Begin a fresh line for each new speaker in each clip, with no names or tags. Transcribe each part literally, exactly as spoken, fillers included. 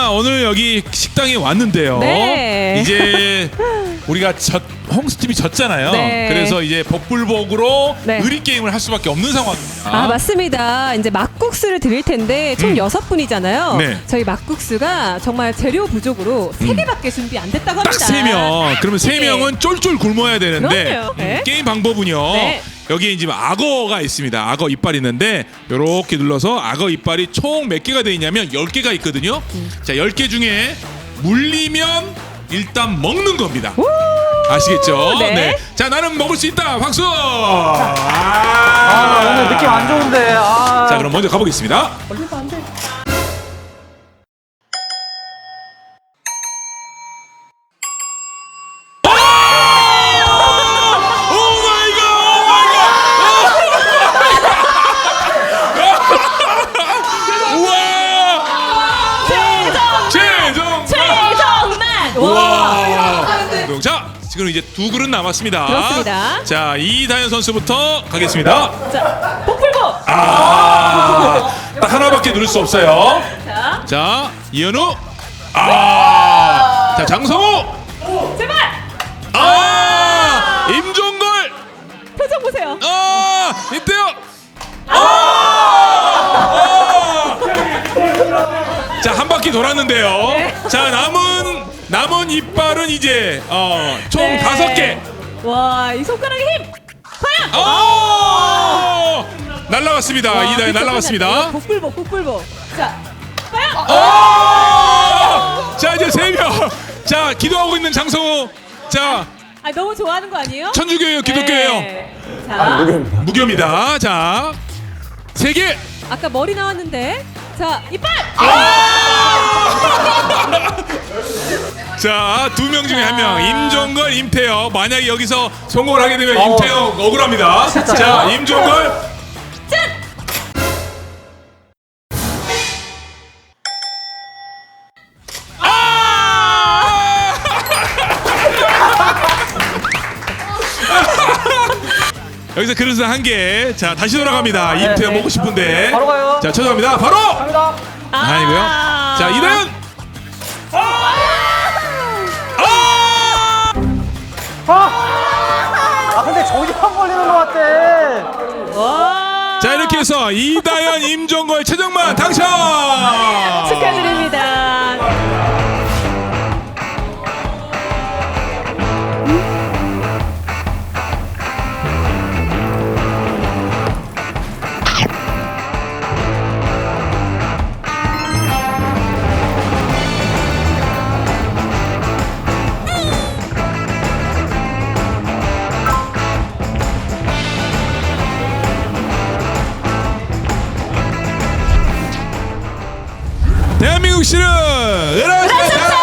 자, 오늘 여기 식당에 왔는데요.
네.
이제 우리가 졌, 홍수팀이 졌잖아요.
네.
그래서 이제 복불복으로
네.
의리 게임을 할 수밖에 없는 상황입니다.
아, 맞습니다. 이제 막국수를 드릴 텐데 총
음.
여섯 분이잖아요.
네.
저희 막국수가 정말 재료 부족으로 세 개밖에 준비 안 됐다고 합니다.
딱 세 명. 그러면 세
네.
명은 쫄쫄 굶어야 되는데
그럼요. 네.
음, 게임 방법은요.
네.
여기에 이제 악어가 있습니다. 악어 이빨 있는데 요렇게 눌러서 악어 이빨이 총 몇 개가 돼 있냐면 열 개가 있거든요.
음.
자, 열 개 중에 물리면 일단 먹는 겁니다. 아시겠죠?
네.
자, 나는 먹을 수 있다. 박수!
아,
아,
오늘 느낌 안 좋은데. 아.
자, 그럼 먼저 가보겠습니다.
걸리면 안 돼.
자, 지금 이제 두 그릇 남았습니다.
그렇습니다.
자, 이다현 선수부터 가겠습니다.
자, 복불복.
아, 딱 하나밖에 누를 수 없어요.
자,
자, 이현우. 아, 자, 장성우.
제발.
아, 임종걸.
표정 보세요.
아, 이때요. 아, 아. 자, 한 바퀴 돌았는데요.
네.
자, 남은 남은 이빨은 이제 어, 총
네.
다섯 개.
와, 이 손가락의 힘. 과연.
아, 날라갔습니다.
와,
이다현
그쵸,
날라갔습니다.
이거 복불복, 복불복. 자, 과연.
아! 자, 이제 세 명. 자, 기도하고 있는 장성우. 자,
아, 너무 좋아하는 거 아니에요?
천주교예요, 기독교예요.
네. 자,
무교입니다. 자, 세 개.
아까 머리 나왔는데. 자, 이빨.
자, 두 명 중에 한 명. 임종걸, 임태혁. 만약에 여기서 성공을 하게 되면
어.
임태혁 억울합니다. 자, 임종걸.
짠.
아! 여기서 그릇은 한 개. 자, 다시 돌아갑니다.
네,
임태혁
네.
먹고 싶은데.
바로 가요.
자, 쳐들어갑니다. 바로.
갑니다.
아니고요. 자, 이다현. 아!
아! 아, 근데 저기만 걸리는 것 같아.
와.
자, 이렇게 해서 이다현, 임종걸, 최정만 당첨.
축하드립니다.
대한민국 씨는 으라차차.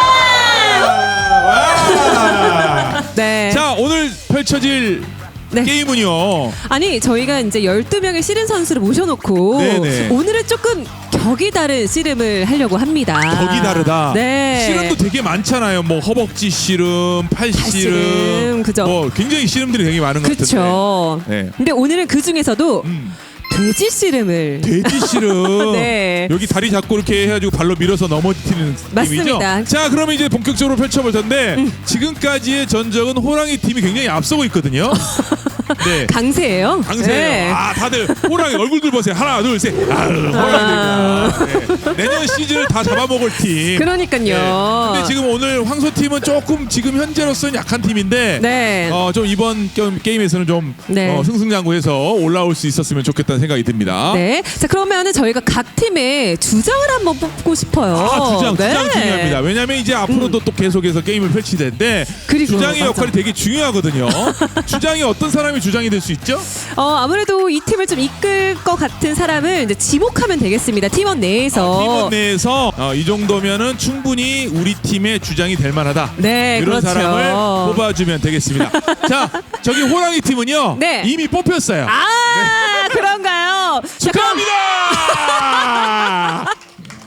네.
자, 오늘 펼쳐질
네.
게임은요.
아니, 저희가 이제 열두 명의 씨름 선수를 모셔놓고
네네.
오늘은 조금 격이 다른 씨름을 하려고 합니다.
격이 다르다.
네.
씨름도 되게 많잖아요. 뭐 허벅지 씨름, 팔 씨름,
씨름, 그죠.
뭐 굉장히 씨름들이 되게 많은 것 같은데.
그렇죠.
네.
근데 오늘은 그 중에서도
음.
돼지 씨름을
돼지 씨름.
네.
여기 다리 잡고 이렇게 해가지고 발로 밀어서 넘어뜨리는
맞습니다.
팀이죠. 자, 그러면 이제 본격적으로 펼쳐볼 텐데
음.
지금까지의 전적은 호랑이 팀이 굉장히 앞서고 있거든요. 네.
강세예요.
강세예요.
네.
아, 다들 호랑이 얼굴들 보세요. 하나, 둘, 셋. 아유, 호랑이들이야. 네. 내년 시즌을 다 잡아먹을 팀.
그러니까요.
근데 지금 오늘 황소 팀은 조금 지금 현재로서는 약한 팀인데,
네.
어, 좀 이번 게- 게임에서는 좀
네.
어, 승승장구해서 올라올 수 있었으면 좋겠다는 생각이 듭니다.
네. 자, 그러면은 저희가 각 팀의 주장을 한번 뽑고 싶어요.
아, 주장,
네.
주장 중요합니다. 왜냐면 이제 앞으로도 또 계속해서 게임을 펼칠 텐데
그리고,
주장의
맞아.
역할이 되게 중요하거든요. 주장이 어떤 사람이 주장이 될 수 있죠?
어, 아무래도 이 팀을 좀 이끌 것 같은 사람을 이제 지목하면 되겠습니다. 팀원 내에서.
팀원 내에서 어, 이 정도면은 충분히 우리 팀의 주장이 될 만하다.
네,
이런
그렇죠.
사람을 뽑아주면 되겠습니다. 자, 저기 호랑이 팀은요.
네.
이미 뽑혔어요.
아, 그런가요? 자, 그럼
축하합니다.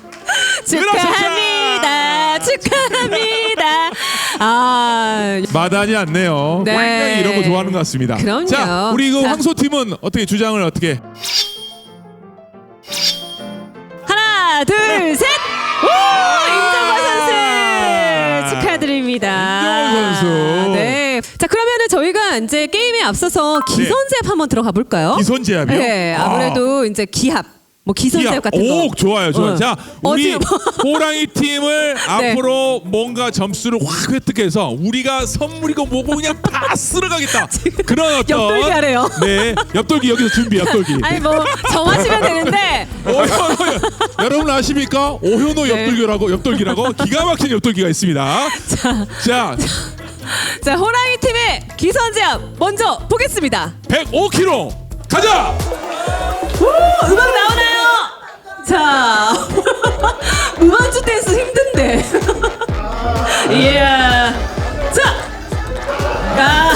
축하합니다. 축하합니다. 아,
마다하지 않네요.
네.
굉장히 이런 거 좋아하는 것 같습니다.
그럼요.
자, 우리 그
자.
황소 팀은 어떻게 주장을 어떻게?
하나, 둘, 셋. 오, 임정걸 이제 게임에 앞서서 기선제압 한번 들어가 볼까요?
기선제압이요?
네, 아무래도 이제 기합, 뭐 기선제압
기합.
같은 거.
오, 좋아요, 좋아요.
어.
자, 우리
어디 뭐-
호랑이 팀을
네.
앞으로 뭔가 점수를 확 획득해서 우리가 선물이고 뭐고 그냥 다 쓸어가겠다. 그런 어떤
옆돌기 하래요.
네, 옆돌기 여기서 준비, 옆돌기.
아니 뭐 정하시면 되는데.
오현호 여러분 아십니까? 오현호
네.
옆돌기라고 옆돌기라고 기가 막힌 옆돌기가 있습니다. 자,
자, 호랑이 팀의 기선제압 먼저 보겠습니다.
백오 킬로그램 가자.
오, 음악 나오나요? 자, 무반주 댄스 힘든데. 이야. 자, 아.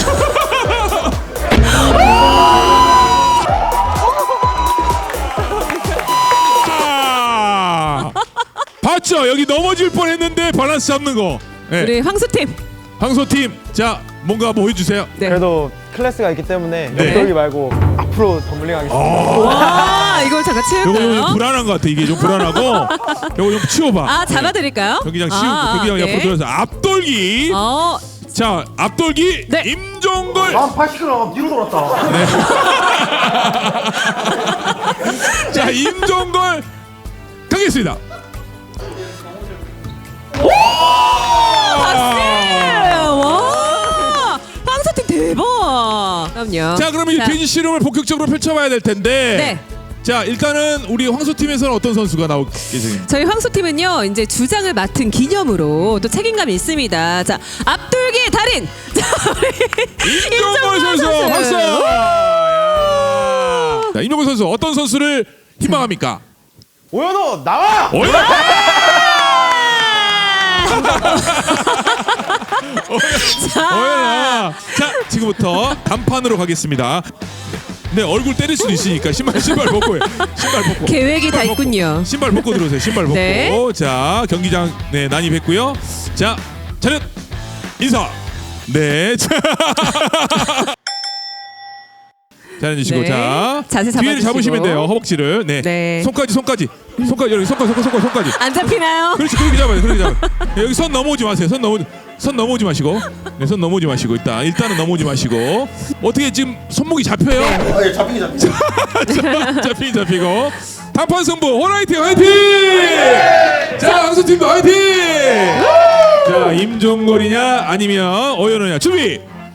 아, 봤죠? 여기 넘어질 뻔했는데 밸런스 잡는 거. 네.
우리 황수 팀.
황소 팀, 자 뭔가 뭐 해주세요.
네.
그래도 클래스가 있기 때문에
네.
옆돌기 말고 앞으로 덤블링 하겠습니다.
와, 이걸 잠깐
요거 좀
치울까요?
불안한 것 같아. 이게 좀 불안하고. 요거 좀 치워봐.
아, 잡아드릴까요?
경기장 치우고
아,
경기장
네.
옆으로 들어서 앞돌기.
어,
자 앞돌기
네.
임종걸.
아, 팔십 킬로그램 뒤로 돌았다.
자 임종걸 가겠습니다.
박수! 와, 황수팀 대박. 그럼요.
자 그러면 이
자,
돼지 씨름을 본격적으로 펼쳐봐야 될 텐데.
네.
자 일단은 우리 황소 팀에서는 어떤 선수가 나올 예정입니까?
저희 황수팀은요 이제 주장을 맡은 기념으로 또 책임감이 있습니다. 자, 앞돌기의 달인. 자, 우리
임종걸 선수 박수. 자 임종걸 선수 어떤 선수를 희망합니까?
오현호 나와!
오야! 오야! 자 지금부터 단판으로 가겠습니다. 네 얼굴 때릴 수도 있으니까 신발 신발 벗고 해. 신발 벗고.
계획이 다
신발 벗고.
있군요.
신발 벗고 들어오세요. 신발 벗고.
네.
자 경기장 네 난입했고요. 자 차렷 인사. 네. 자. 자 앉으시고
네.
자
자세
뒤를
잡아주시고.
잡으시면 돼요. 허벅지를. 네.
네.
손까지 손까지 손까지 여기 손까지 손까지 손까지 손까지.
안 잡히나요?
그렇지 그렇게 잡아요. 그렇게 잡아요. 네, 여기 손 넘어오지 마세요. 손 넘어 손 넘어오지 마시고. 네, 손 넘어오지 마시고 일단 일단은 넘어오지 마시고. 어떻게 지금 손목이 잡혀요?
아, 예, 잡히기 잡히기.
잡히긴 잡히고. 단판 승부 호라이팅 화이팅! 자 황수 팀도 화이팅! 자 임종걸이냐 아니면 오연호냐 준비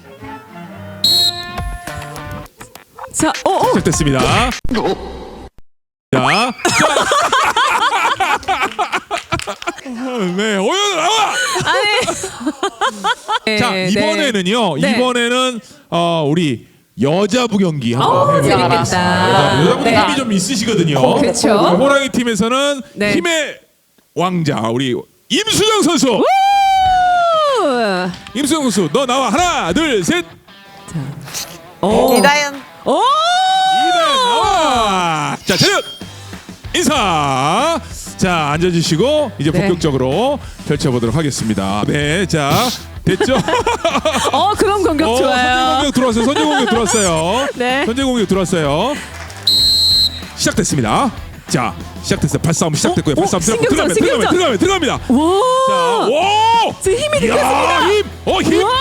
자, 어, 어.
시작됐습니다. 자, 자. 네 오연호 나와.
아니.
자
네,
이번에는요.
네.
이번에는 어 우리 여자부 경기 한번
어,
해보도록
재밌겠다.
여자분들
네.
힘이 좀 있으시거든요.
그렇죠.
호랑이 팀에서는
네.
힘의 왕자 우리 임수정 선수.
우!
임수정 선수 너 나와 하나 둘 셋.
오.
이다연
오!
이대 나와. 자 차렷 인사. 자 앉아주시고 이제
네.
본격적으로 펼쳐보도록 하겠습니다. 네, 자 됐죠?
어, 그런 공격
어,
좋아요.
선제 공격 들어왔어요. 선제 공격 들어왔어요.
네.
선제 공격 들어왔어요. 시작됐습니다. 자 시작됐어요. 발싸움 시작됐고요.
어?
발싸움
어?
들어갑니다.
신경전,
들어갑니다.
신경전.
들어갑니다. 들어갑니다. 자,
와!
오!
지금 힘이
야,
느껴집니다.
힘! 어, 힘!
우와!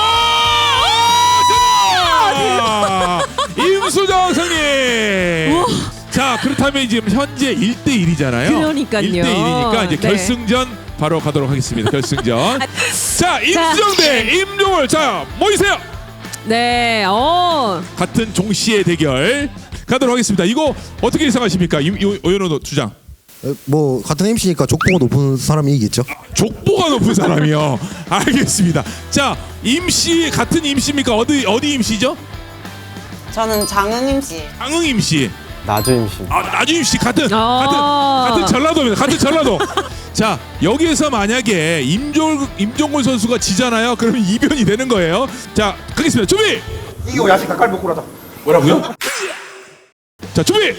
오! 자, 임수정 승리!
우와.
자, 그렇다면 지금 현재 일 대 일이잖아요.
그러니까요.
일 대 일이니까 이제
네.
결승전 바로 가도록 하겠습니다. 결승전. 자, 임수정 대 임종월. 자, 모이세요.
네, 어.
같은 종씨의 대결 가도록 하겠습니다. 이거 어떻게 예상하십니까? 임- 이- 오연호 주장.
어, 뭐 같은 엠씨니까 족보가 높은 사람이 이기겠죠.
족보가 높은 사람이요. 알겠습니다. 자, 임씨 같은 임씨입니까? 어디 어디 임씨죠?
저는 장은임 씨.
강흥 임씨.
나주 임시.
아, 나주 임씨 같은
아.
같은 같은 전라도입니다. 같은 전라도. 자, 여기에서 만약에 임종 임종골 선수가 지잖아요. 그러면 이변이 되는 거예요. 자, 가겠습니다. 준비.
이거 야식 닭갈비 먹고 라자.
뭐라고요? 자, 준비.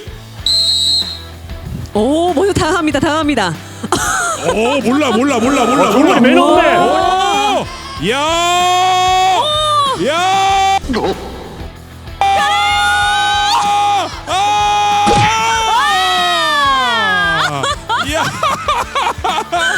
오, 먼저 당합니다. 당합니다.
오, 몰라 몰라 몰라 몰라
정말
몰라.
매너인데.
오! 야! 야! 아! 야!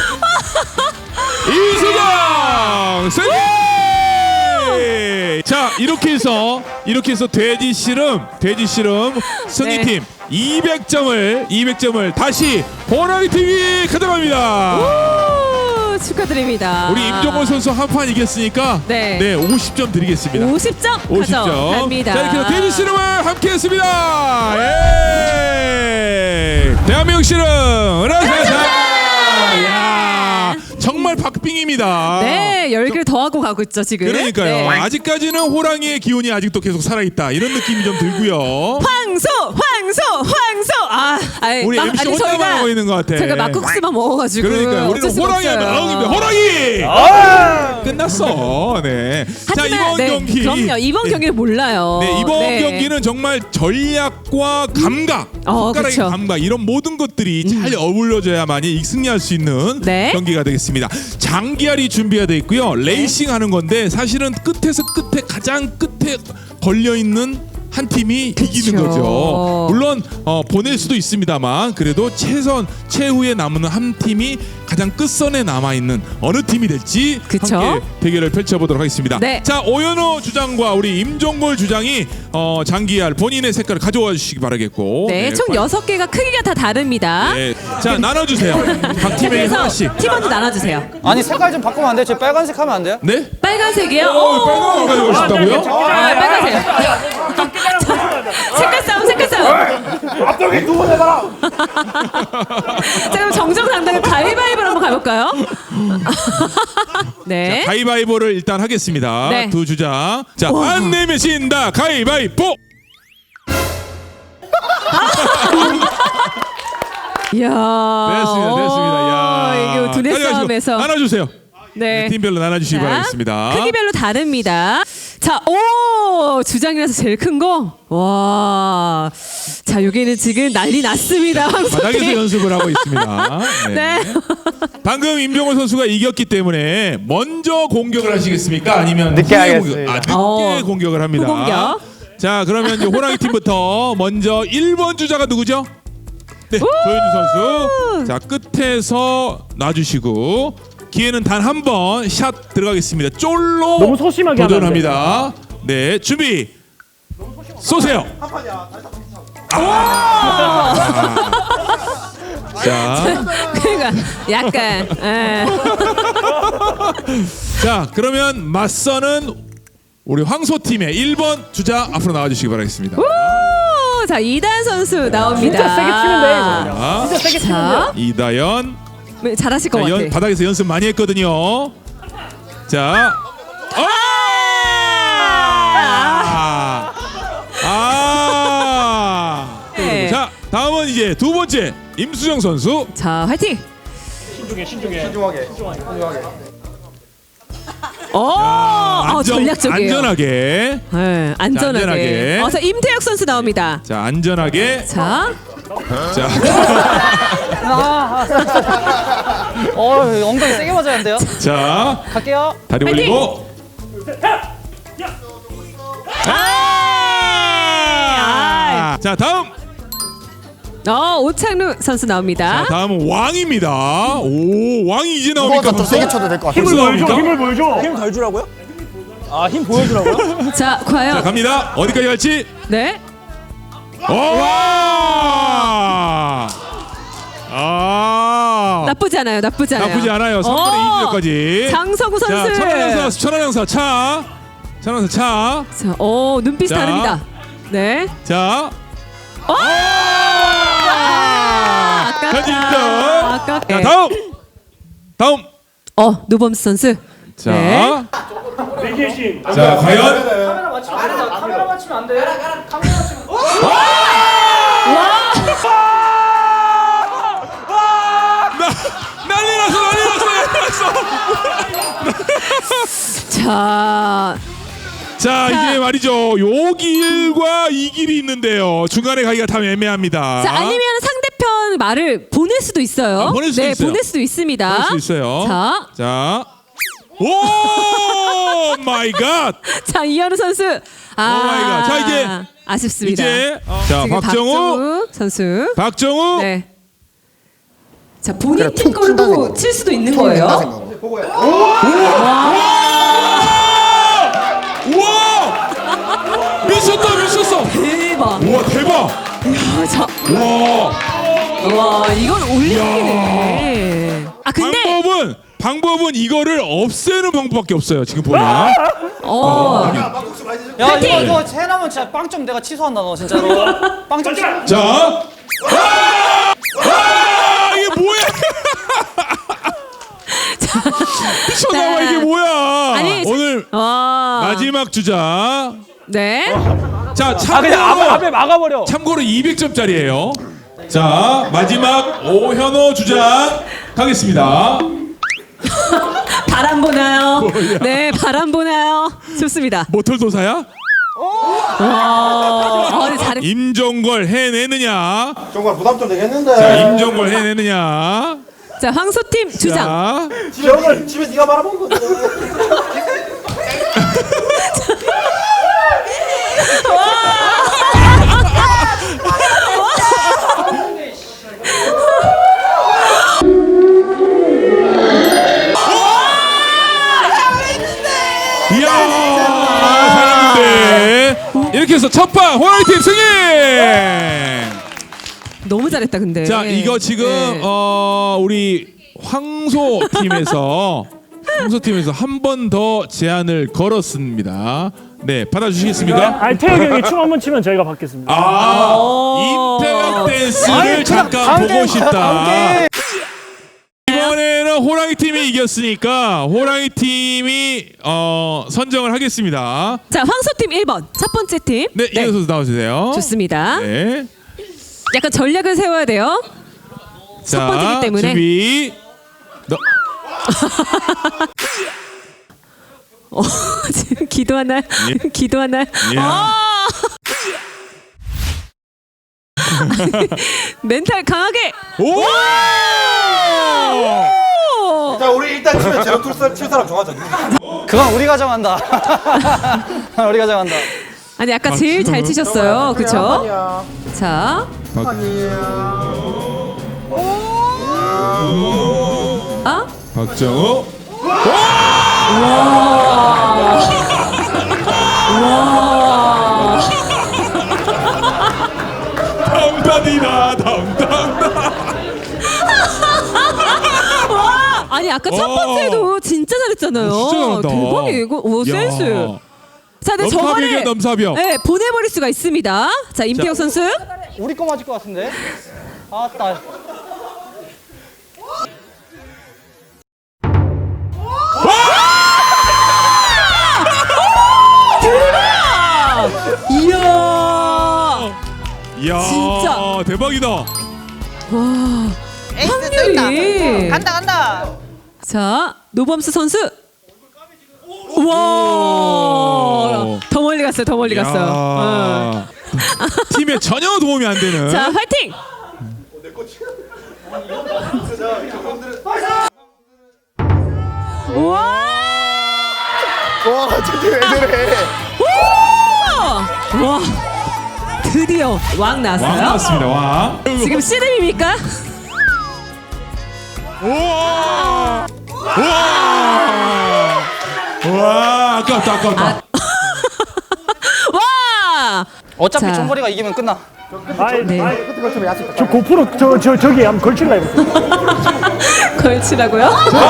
이수경 승리! 자, 이렇게 해서 이렇게 해서 돼지 씨름 돼지 씨름 승리팀 이백 점을 이백 점을 다시 호랑이 팀이 가져갑니다.
오, 축하드립니다.
우리 임종원 선수 한 판 이겼으니까
네.
네 오십 점 드리겠습니다.
오십 점
오십 점.
가져갑니다.
자 이렇게 해서 돼지 씨름을 함께했습니다. 예! 대한민국 씨름 은하사사. 야 정말 박빙입니다.
네, 열기를 더하고 가고 있죠 지금.
그러니까요.
네.
아직까지는 호랑이의 기운이 아직도 계속 살아있다 이런 느낌이 좀 들고요.
황소, 황소, 황소. 아, 아이,
우리
막-
엠씨
아니,
혼자만
저희가-
하고 있는 것 같아.
제가 막국수만 먹어가지고.
그러니까
어쩔
우리는
수가
호랑이 하면
없어요.
마음입니다. 호랑이. 끝났어. 네. 자
하지만
이번
네,
경기.
그럼요. 이번
네.
경기를 몰라요.
네 이번
네.
경기는 정말 전략과 감각,
어,
손가락의
그쵸.
감각 이런 모든 것들이 잘 어울려져야만이 승리할 수 있는
네.
경기가 되겠습니다. 장기알이 준비가 돼 있고요. 레이싱 하는 건데 사실은 끝에서 끝에 가장 끝에 걸려 있는 한 팀이 이기는 거죠. 물론 어, 보낼 수도 있습니다만 그래도 최선 최후에 남는 한 팀이 가장 끝선에 남아 있는 어느 팀이 될지
그쵸?
함께 대결을 펼쳐보도록 하겠습니다.
네.
자 오연호 주장과 우리 임종골 주장이 어, 장기알 본인의 색깔을 가져와 주시기 바라겠고.
네, 총
빨리-
여섯 개가 크기가 다 다릅니다.
네. 자 나눠주세요. 각 팀에게
그래서
하나씩.
팀원도 나눠주세요.
아니 색깔 좀 바꾸면 안 돼요? 제 빨간색 하면 안 돼요?
네?
빨간색이요?
어, 빨간 거 가지고 싶다고요?
아, 빨간색. 색깔 싸움, 색깔 싸움.
앞쪽에 두번 해봐라.
자, 그럼 정정당당히 가위바위보로 한번 가볼까요? 네.
가위바위보를 일단 하겠습니다.
네.
두 주장. 자,
와.
안 내면 진다. 가위바위보.
이야.
됐습니다. 됐습니다. 야.
이게 두뇌
가져가시고
싸움에서.
나눠주세요.
네.
팀별로 나눠주시기
자,
바라겠습니다.
크기별로 다릅니다. 자, 오 주장이라서 제일 큰 거. 와. 자, 여기는 지금 난리 났습니다.
바닥에서
황소팀.
연습을 하고 있습니다. 네.
네.
방금 임종원 선수가 이겼기 때문에 먼저 공격을 하시겠습니까? 아니면
늦게
후에
하겠습니다.
공격, 아, 늦게
어.
공격을 합니다.
후공격.
자, 그러면 이제 호랑이 팀부터 먼저 일 번 주자가 누구죠? 네, 조현주 선수. 자, 끝에서 놔주시고 기회는 단 한 번 샷 들어가겠습니다. 쫄로
너무 소심하게 하면 안
도전합니다. 네, 준비. 쏘세요. 아. 자,
그러니까 약간. 예.
자, 그러면 맞서는 우리 황소 팀의 일 번 주자 앞으로 나와주시기 바라겠습니다.
오, 자, 이단 선수 나옵니다.
진짜 세게 치면 돼, 이거.
자,
진짜 세게 치면
자,
이다연.
네, 잘하실 것
자,
같아.
연, 바닥에서 연습 많이 했거든요. 자, 아! 아!
네.
자, 다음은 이제 두 번째 임수정 선수.
자, 화이팅.
신중하게. 신중하게.
오, 아,
안전-
전략적이에요.
안전하게.
네, 안전하게.
안전하게.
어, 자, 임태혁 선수 나옵니다.
자, 안전하게.
자,
자,
어 엉덩이 세게 맞아야 돼요.
자,
갈게요.
다리
파이팅!
올리고. 아! 자, 다음.
어, 오창루 선수 나옵니다.
자, 다음은 왕입니다. 오, 왕이 이제 나옵니까?
그거보다 더
벌써?
세게 쳐도 될 것 같아.
벌써 나옵니까?
보여줘. 힘 덜 주라고요? 아 힘 보여주라고요?
자,
자,
과연.
갑니다. 어디까지 갈지?
네.
오! 아!
나쁘지 않아요. 나쁘지 않아요.
나쁘지 않아요. 삼 분의 이
어,
주까지.
장서구 선수.
자, 천안영사, 천안영사 차. 천안영사 차.
자, 어, 눈빛이
자.
다릅니다. 네.
자.
어!
아!
아깝다.
현진 점.
아깝다.
자, 다음. 다음.
어, 노범수 선수.
자.
네.
자, 과연
카메라 맞추면 안 돼.
나, 난리 났어. 난리 났어. 난리 났어.
자,
자, 이게 말이죠. 요 길과 이 길이 있는데요. 중간에 가기가 참 애매합니다.
자, 아니면 상대편 말을 보낼 수도 있어요.
아, 보낼 수도
네,
있어요.
보낼 수도 있습니다.
할 수 있어요.
자,
자. 오 마이 갓.
자, 이현우 선수. 아,
오 마이 갓. 자, 이제
아쉽습니다.
이제 어, 자,
지금
박정우.
선수.
박정우.
네. 자, 본인
그래,
팀
툭 친다
걸로
생각.
칠 수도 있는
툭
거예요.
된다 생각.
우와! 미쳤다 미쳤어.
대박.
우와 대박.
아, 자,
와.
와 이건 올림픽이네. 아 근데
방법은 방법은 이거를 없애는 방법밖에 없어요. 지금 보면.
어
야 이거 이거 해나면 진짜 빵점 내가 취소한다 너 진짜로. 빵점 취.
자. 아! 아! 이게 뭐야? 미쳤나봐 이게 뭐야?
아니,
오늘
와
마지막 주자.
네.
자
아
참고로
그냥 앞에 앞에 막아버려.
참고로 이백 점짜리예요. 자 마지막 오현호 주장 가겠습니다.
바람 보나요? 네 바람 보나요? 좋습니다.
모털도사야?
와 어, 네, 잘했.
임종걸 해내느냐?
정말 부담 좀 되겠는데.
자 임종걸 해내느냐?
자 황소팀 주장.
자,
집에 오늘 집에 네가 말아먹은 거거든.
이야 잘했는데 이렇게 해서 첫판 호랑이팀 승리.
너무 잘했다 근데.
자 이거 지금
네.
어 우리 황소 팀에서 황소 팀에서 한 번 더 제안을 걸었습니다. 네 받아주시겠습니까?
아니 태혁이 형이 춤 한번 치면 저희가 받겠습니다.
아
오.
임태혁 댄스를
아니,
잠깐
다음
보고
게임,
싶다.
다음 게임.
이번에는 호랑이 팀이 이겼으니까 호랑이 팀이 어 선정을 하겠습니다.
자 황소팀 일 번 첫 번째 팀.
네 이어서 나와주세요.
좋습니다.
네.
약간 전략을 세워야 돼요.
자,
번째이기 때문에.
준비. 너.
어, 지금 기도하나요?
예.
기도하나요?
예.
아! 아니, 멘탈 강하게.
오!
오!
자 우리 일단 집에 제로 칠 사람 정하자.
그건 우리가 정한다. 우리가 정한다.
아니 아까 제일 잘 치셨어요, 그렇죠? 자, 아,
박정우. 담담이다 담담.
아니 아까 첫
어.
번째도 진짜 잘했잖아요.
진짜 잘한다.
대박이에요, 이거. 오
야.
센스. 자, 근데
넘사벽이야,
저거를
넘사벽.
네, 보내버릴 수가 있습니다. 자, 임태혁 선수.
우리 거 맞을 것 같은데. 아따.
이야.
이야
진짜.
대박이다.
에이스
확률이.
또 있다. 간다 간다.
자, 노범수 선수. 우와. 더 멀리 갔어요. 더 멀리 갔어요. 어.
팀에 전혀 도움이 안 되는.
자, 화이팅. 우와.
와 저게 왜 저래?
와. 드디어 왕 나왔어요.
왕 나왔습니다. 왕.
지금 씨름입니까?
우와. 우와. 와 아깝다 아깝다.
와.
어차피
자.
총거리가 이기면 끝나.
아이,
네.
아이, 저 고프로 저, 저, 저기 한번 걸칠라 해보세요.
걸치라고요?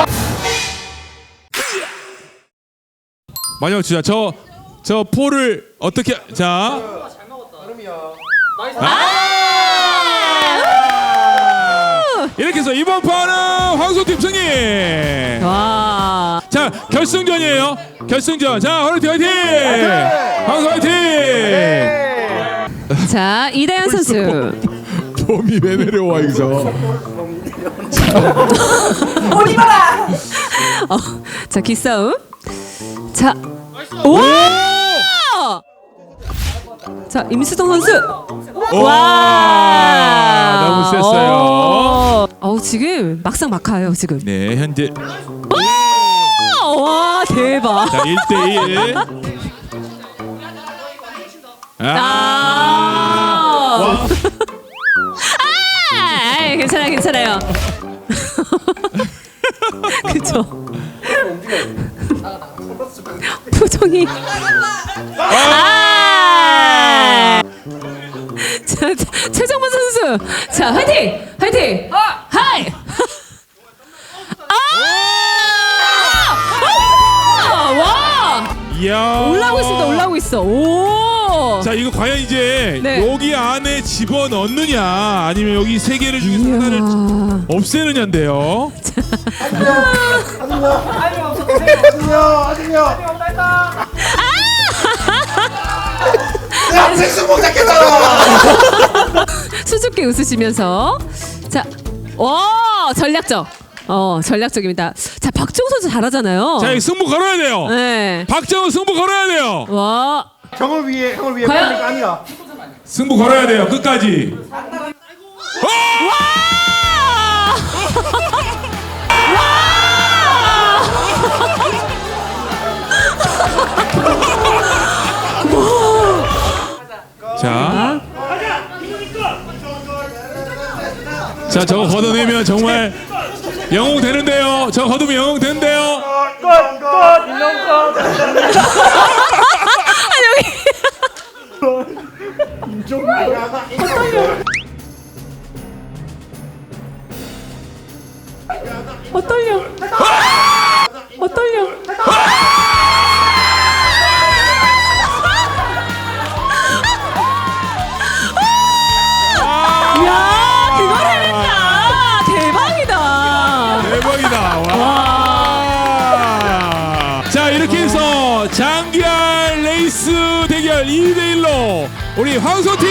마지막 주자 저 저 포를 어떻게 자. 아! 이렇게 해서 이번 판은 황소팀 승리.
와.
자 결승전이에요. 결승전. 자 호랑이팀 화이팅. 황소 화이팅.
자, 이다현 선수.
봄이 왜 내려와 여기서.
오지 마라.
어, 자, 기싸움. 자. 오! 자, 임수동 선수. 와!
너무 셌어요.
어, 어우, 지금 막상 막하예요, 지금.
네 현재
와, 대박.
자 일 대 일. 아.
아. 아, 괜찮아요, 괜찮아요. 그쵸. 표정이. 아. 선수. 자, 화이팅! 화이팅! 하이! 아! 와!
이야.
올라오고 있습니다. 올라오고 있어. 오!
자, 이거 과연 이제
네.
여기 안에 집어 넣느냐 아니면 여기 세 개를 중에서
이야.
하나를 없애느냐인데요.
야, 생수복 잡겠다.
수줍게 웃으시면서 자, 와 전략적, 어 전략적입니다. 자 박정우 선수 잘하잖아요.
자, 이 승부 걸어야 돼요.
네.
박정우 승부 걸어야 돼요.
와.
형을 위해 형을 위해
과연?
그런 게 아니라.
승부 걸어야 돼요. 끝까지. 자. 자, 저거 걷어내면 정말 영웅 되는데요. 저거 걷으면 영웅 되는데요.
끝끝 인형 끝.
어 떨려. 어 떨려. 야, 그걸 해냈다. 대박이다.
대박이다. 와. 자, 이렇게 해서 장기할 레이스 대결 이 대 일로 우리 황소팀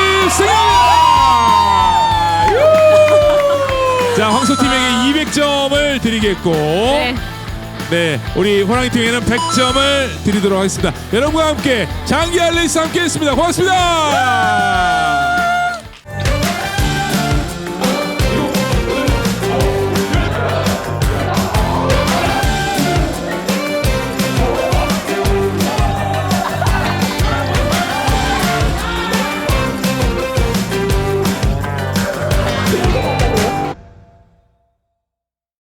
승리입니다. 유! 자, 황소팀에게 이백 점을 드리겠고
네.
네, 우리 호랑이 팀에게는 백 점을 드리도록 하겠습니다. 여러분과 함께 장기할 레이스 함께 했습니다. 고맙습니다.